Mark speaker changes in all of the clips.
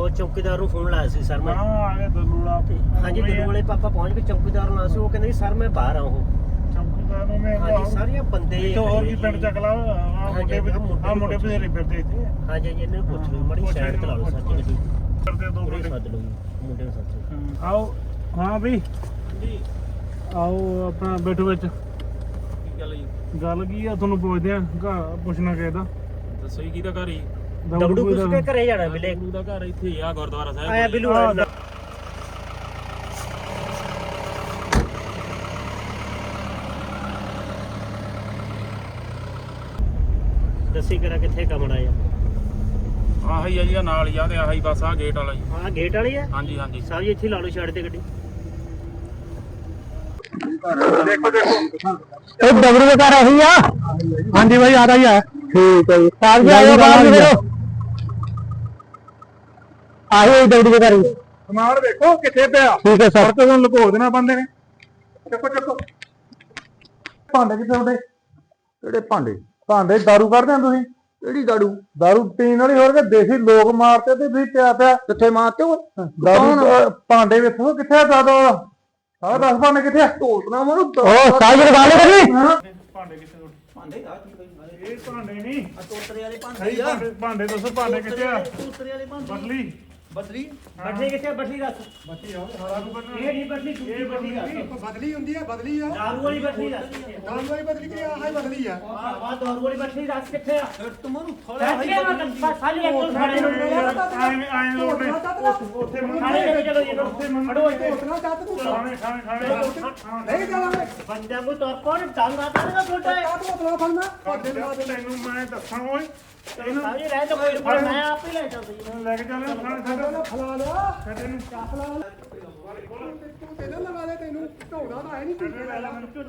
Speaker 1: ਉਹ ਚੌਕੀਦਾਰ ਨੂੰ ਫੋਨ ਲਾਇਆ ਸੀ ਸਰ ਮੈਂ।
Speaker 2: ਹਾਂ ਆ ਗਿਆ ਦਲੂੜਾ।
Speaker 1: ਹਾਂਜੀ ਦਲੂ ਵਾਲੇ ਪਾਪਾ ਪਹੁੰਚ ਕੇ ਚੌਕੀਦਾਰ ਨਾਲ ਸੀ। ਉਹ ਕਹਿੰਦੇ ਸਰ ਮੈਂ ਬਾਹਰ ਆ। ਉਹ
Speaker 2: ਚੌਕੀਦਾਰ ਨੂੰ ਮੈਂ
Speaker 1: ਹਾਂਜੀ ਸਾਰੀਆਂ ਬੰਦੇ
Speaker 2: ਤੋਂ ਹੋਰ ਕੀ ਪਿੰਡ ਚੱਕ ਲਾ ਆ ਮੁੰਡੇ ਬਥੇਰੇ ਫਿਰਦੇ ਇੱਥੇ।
Speaker 1: ਹਾਂਜੀ ਹਾਂਜੀ ਇਹਨਾਂ ਨੂੰ ਪੁੱਛ ਲਓ ਮੜੀ ਸਾਈਡ ਤੇ ਲਾ ਲਓ ਸਰ ਜੀ ਗੱਡੀ
Speaker 2: ਕਰਦੇ ਦੋ
Speaker 1: ਪੂਰੇ ਸੱਦ ਲਓ ਮੁੰਡੇ ਨੂੰ ਸੱਦ
Speaker 2: ਆਓ। ਹਾਂ ਵੀ ਜੀ ਆਓ ਆਪਣਾ ਬੈਠੋ ਵਿੱਚ।
Speaker 3: ਕੀ ਗੱਲ ਜੀ?
Speaker 2: ਗੱਲ ਕੀ ਆ ਤੁਹਾਨੂੰ ਪੁੱਛਦੇ ਆ ਪੁੱਛਣਾ ਕਿਹਦਾ
Speaker 3: ਦੱਸੋ ਜੀ ਕਿਹਦਾ ਘਰ ਹੀ?
Speaker 1: ਦਬੜੂ ਕਿਸ ਕੇ ਘਰੇ ਜਾਣਾ ਬਿਲੇ
Speaker 3: ਦਾ ਘਰ ਇੱਥੇ ਹੀ ਆ ਗੁਰਦੁਆਰਾ ਸਾਹਿਬ
Speaker 1: ਆਇਆ ਬਿਲੂ ਦੱਸੀ ਕਰਾ ਕਿੱਥੇ ਕਮਣਾ ਆ?
Speaker 3: ਆਹੀ ਆ ਜੀ ਨਾਲ ਹੀ ਆ ਤੇ ਆਹੀ ਬਸ ਆ ਗੇਟ ਵਾਲਾ ਜੀ।
Speaker 1: ਹਾਂ ਗੇਟ ਵਾਲੀ ਆ।
Speaker 3: ਹਾਂਜੀ ਹਾਂਜੀ
Speaker 1: ਸਾਹਿਬ ਜੀ ਇੱਥੇ ਲਾ ਲਓ ਛੱਡ ਤੇ ਗੱਡੀ।
Speaker 2: ਦੇਖੋ ਦੇਖੋ
Speaker 4: ਇਹ ਦਬਰੂ ਦੇ ਘਰ ਆਹੀ ਆ। ਹਾਂਜੀ ਭਾਈ ਆ ਰਹੀ ਆ। ਠੀਕ ਹੈ ਜੀ ਸਾਹਿਬ ਜੀ ਆਇਓ ਬਾਹਰ ਜੀ ਫਿਰ ਆਹੀ ਦਬਰੂ ਦੇ ਘਰ ਹੀ।
Speaker 2: ਸਮਾਨ ਵੇਖੋ ਕਿੱਥੇ ਪਿਆ।
Speaker 4: ਠੀਕ ਹੈ ਸਰ।
Speaker 2: ਤੁਹਾਨੂੰ ਲੁਕੋ ਦੇਣਾ ਬੰਦੇ ਨੇ। ਚੱਕੋ ਚੱਕੋ ਭਾਂਡੇ ਕਿੱਥੇ ਤੁਹਾਡੇ?
Speaker 4: ਕਿਹੜੇ ਭਾਂਡੇ?
Speaker 2: ਭਾਂਡੇ ਦਾਰੂ ਕੱਢਦੇ ਆ ਤੁਸੀਂ?
Speaker 4: ਕਿਹੜੀ ਦਾਰੂ?
Speaker 2: ਦਾਰੂ ਪੀਣ ਵਾਲੀ ਹੋਰ ਕਿ ਦੇਸੀ ਲੋਕ ਮਾਰਤੇ ਤੇ ਤੁਸੀਂ ਪਿਆ
Speaker 4: ਕਿੱਥੇ ਮਾਰਤੇ ਹੋ?
Speaker 2: ਦਾਰੂ ਭਾਂਡੇ ਵੇਖੋ ਕਿੱਥੇ ਆ ਦਾਦਾ? ਆਹ 10 ਭਾਂਡੇ ਕਿੱਥੇ ਆ?
Speaker 4: ਢੋਲਣਾ ਮਾਰੂ ਉਹ ਸਾਹਿਬ ਜੀ ਗੱਲ ਕਰੀ।
Speaker 2: ਭਾਂਡੇ ਕਿੱਥੇ ਤੁਹਾਡੇ? ਭਾਂਡੇ ਆ ਕੀ ਇਹ ਭਾਂਡੇ ਨਹੀਂ
Speaker 1: ਆ ਤੋਤਰੇ ਵਾਲੇ ਭਾਂਡੇ ਆ।
Speaker 2: ਭਾਂਡੇ ਦੱਸੋ ਭਾਂਡੇ ਕਿੱਥੇ ਆ?
Speaker 1: ਤੋਤਰੇ ਵਾਲੇ ਭਾਂਡੇ।
Speaker 2: ਬਦਲੀ
Speaker 1: ਬਦਲੀ ਬਦਲੀ ਕਿੱਥੇ? ਬਦਲੀ ਦੱਸ।
Speaker 2: ਬੱਤੀ ਆ ਹਾਰਾ ਨੂੰ ਕੱਢਣਾ।
Speaker 1: ਇਹ ਨਹੀਂ ਬਦਲੀ ਇਹ ਬਦਲੀ ਦੱਸ।
Speaker 5: ਬਦਲੀ ਹੁੰਦੀ ਆ ਬਦਲੀ ਆ
Speaker 1: ਦਾਰੂ ਵਾਲੀ ਬਦਲੀ ਦੱਸ।
Speaker 5: ਦਾਰੂ ਵਾਲੀ ਬਦਲੀ ਕਿ ਆਹ ਹੀ ਬਦਲੀ ਆ
Speaker 1: ਆਹ ਦਾਰੂ ਵਾਲੀ ਬਦਲੀ ਦੱਸ ਕਿੱਥੇ ਆ?
Speaker 5: ਤੁਮਾਨੂੰ
Speaker 1: ਸਾਲੀ ਇੱਕ ਕੋਲ ਖੜੇ ਨੂੰ
Speaker 2: ਆਏ ਲੋਟੇ ਉੱਥੇ
Speaker 1: ਖਾਣੇ ਲੈ ਕੇ ਚਲੋ ਜੀ ਇਹਨੂੰ। ਫੜੋ ਇੱਥੇ।
Speaker 5: ਉਤਨਾ ਚਾਹਤ ਤੂੰ
Speaker 2: ਖਾਣੇ
Speaker 5: ਨਹੀਂ ਜਾਵਾਂਗੇ
Speaker 1: ਬੰਦਿਆਂ ਨੂੰ ਤੁਰ ਕੋਣ ਡੰਗ ਆ ਕਰੇਗਾ ਛੋਟਾ ਹੈ।
Speaker 5: ਤੂੰ ਉਤਨਾ ਫੜਨਾ ਪੱਦੇ ਲਾ ਦੇ
Speaker 2: ਤੈਨੂੰ ਮੈਂ ਦੱਸਾਂ ਓਏ
Speaker 1: ਸਾਲੀ ਰਹਿ ਜਾ ਕੋਈ ਪਰ ਮੈਂ ਆਪ ਹੀ ਲੈ ਚੱਲਦਾ ਜੀ।
Speaker 2: ਲੈ ਕੇ ਚੱਲ ਖਾਣੇ ਛੱਡ
Speaker 5: ਫਲਾ ਲਿਆ
Speaker 2: ਛੱਡ ਇਹਨੂੰ
Speaker 5: ਫਲਾ ਤੂੰ ਤੈਨੂੰ ਲਗਾ ਦੇ ਤੈਨੂੰ ਢੋੜਾ ਤਾਂ ਹੈ ਨਹੀਂ ਤੂੰ
Speaker 2: ਲੈ ਲੈ ਮੈਨੂੰ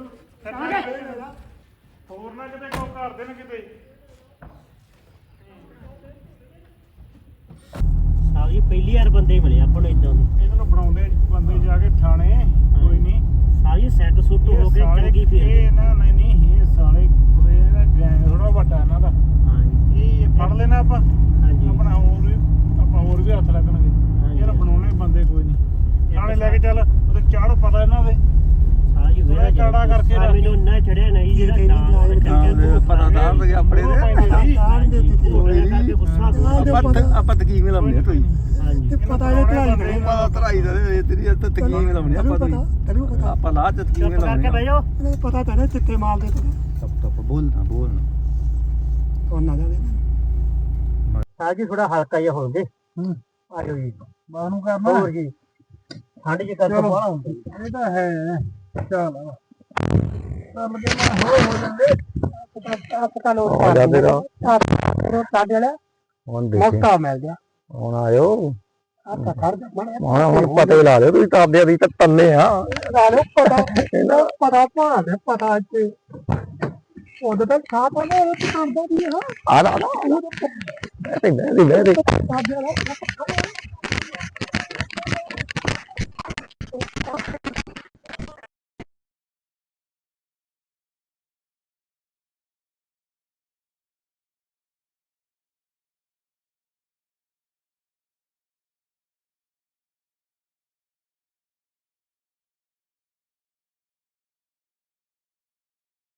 Speaker 2: ਹੋਰ ਨਾ ਕਿਤੇ ਕੋ ਕਰ ਦੇਣ ਕਿਤੇ।
Speaker 1: ਸਾਲੀ ਪਹਿਲੀ ਵਾਰ ਬੰਦੇ ਹੀ ਮਿਲੇ ਆਪਾਂ ਨੂੰ ਇਦਾਂ ਦੇ।
Speaker 2: ਇਹਨਾਂ ਨੂੰ ਬਣਾਉਂਦੇ ਬੰਦੇ ਜਾ ਕੇ ਥਾਣੇ ਕੋਈ ਨਹੀਂ।
Speaker 1: ਸਾਲੀ ਸੈੱਟ ਸੁੱਟ ਹੋ ਕੇ ਚੰਗੀ
Speaker 2: ਇਹ
Speaker 1: ਫੇਰ।
Speaker 2: ਨਾ ਨਹੀਂ ਇਹ ਸਾਲੇ ਕੋਈ ਇਹਦਾ ਗੈਂਗ ਥੋੜਾ ਵੱਡਾ ਇਹਨਾਂ ਦਾ।
Speaker 1: ਹਾਂਜੀ
Speaker 2: ਇਹ ਫੜ ਲੈਣਾ ਆਪਾਂ
Speaker 1: ਹਾਂਜੀ
Speaker 2: ਆਪਣਾ ਹੋਰ ਵੀ ਹੱਥ ਲੱਗਣਗੇ। ਯਾਰ ਬਣਾਉਣੇ ਬੰਦੇ ਕੋਈ ਨਹੀਂ। ਥਾਣੇ ਲੈ ਕੇ ਚੱਲ ਉਹਦੇ ਚਾੜ ਪਤਾ ਇਹਨਾਂ ਦੇ।
Speaker 1: ਸਾਲੀ
Speaker 2: ਥੋੜਾ ਕਾੜਾ ਕਰਕੇ ਰੱਖ।
Speaker 1: ਮੈਨੂੰ ਇੰਨਾ ਚੜਿਆ ਨਹੀਂ ਜਿਹੜਾ ਨਾਮ
Speaker 4: ਪਤਾ ਤਾਂ ਕੋਈ ਆਪਣੇ
Speaker 1: ਦੇ ਗੁੱਸਾ
Speaker 4: ਆਪਾਂ ਤਕੀਮ ਲਾਉਣੀ ਤੁਸੀਂ।
Speaker 1: ਹਾਂਜੀ
Speaker 5: ਪਤਾ ਇਹ ਧਾਈ ਨਹੀਂ
Speaker 4: ਪਤਾ ਧਰਾਈ ਦਾ ਤੇਰੀ ਤਕੀਮ ਲਾਉਣੀ ਆਪਾਂ
Speaker 5: ਤੈਨੂੰ ਪਤਾ
Speaker 4: ਆਪਾਂ ਲਾਹ ਚ ਤਕੀਮ
Speaker 1: ਚੁੱਪ ਕਰਕੇ ਬਹਿ ਜਾਓ।
Speaker 5: ਇਹਨੂੰ ਪਤਾ ਤਾਂ ਚਿੱਟੇ ਮਾਲ ਦੇ ਤੈਨੂੰ
Speaker 4: ਤੱਪ ਬੋਲਣਾ
Speaker 5: ਉਹਨਾਂ ਦਾ
Speaker 1: ਸਾਹ ਜੀ ਥੋੜਾ ਹਲਕਾ ਜਿਹਾ ਹੋਣਗੇ। ਆਜੋ ਜੀ
Speaker 2: ਬਾਹਰ ਨੂੰ ਕਰਨਾ
Speaker 1: ਹੋਰ ਜੀ ਠੰਡ ਜੀ ਕਰਕੇ ਬਾਹਲਾ ਹੁੰਦੀ।
Speaker 2: ਇਹ ਤਾਂ ਹੈ ਚੱਲ ਚੱਲ ਕੇ ਮੈਂ ਹੋ ਜਾਂਦੇ।
Speaker 5: ਪਤਾ ਲੋ
Speaker 4: ਆ ਜਾ ਤੇਰਾ
Speaker 5: ਰੋਟ ਸਾਡੇ ਵਾਲਾ
Speaker 4: ਹੁਣ ਦੇਖੀ
Speaker 5: ਮੌਕਾ ਮਿਲ ਗਿਆ
Speaker 4: ਹੁਣ ਆਇਓ
Speaker 5: ਆ ਖੜ ਜਾ
Speaker 4: ਹੁਣ ਪਤਾ ਹੀ ਲਾ ਲਿਓ ਤੁਸੀਂ ਤਾਬਿਆਂ ਦੀ ਤਾਂ ਤੰਨੇ ਆ
Speaker 5: ਨਾਲੇ ਪਤਾ ਭਾਂਦੇ ਪਤਾ ਚ ਉਹਦੇ ਤਾਂ ਖਾ ਪਾਣਾ ਉਹ ਤੇ ਕਰਦਾ ਵੀ ਹਾਂ
Speaker 4: ਆ ਲਾ ਲਾ ਬੈਠੇ
Speaker 5: ਸਾਡੇ ਵਾਲਾ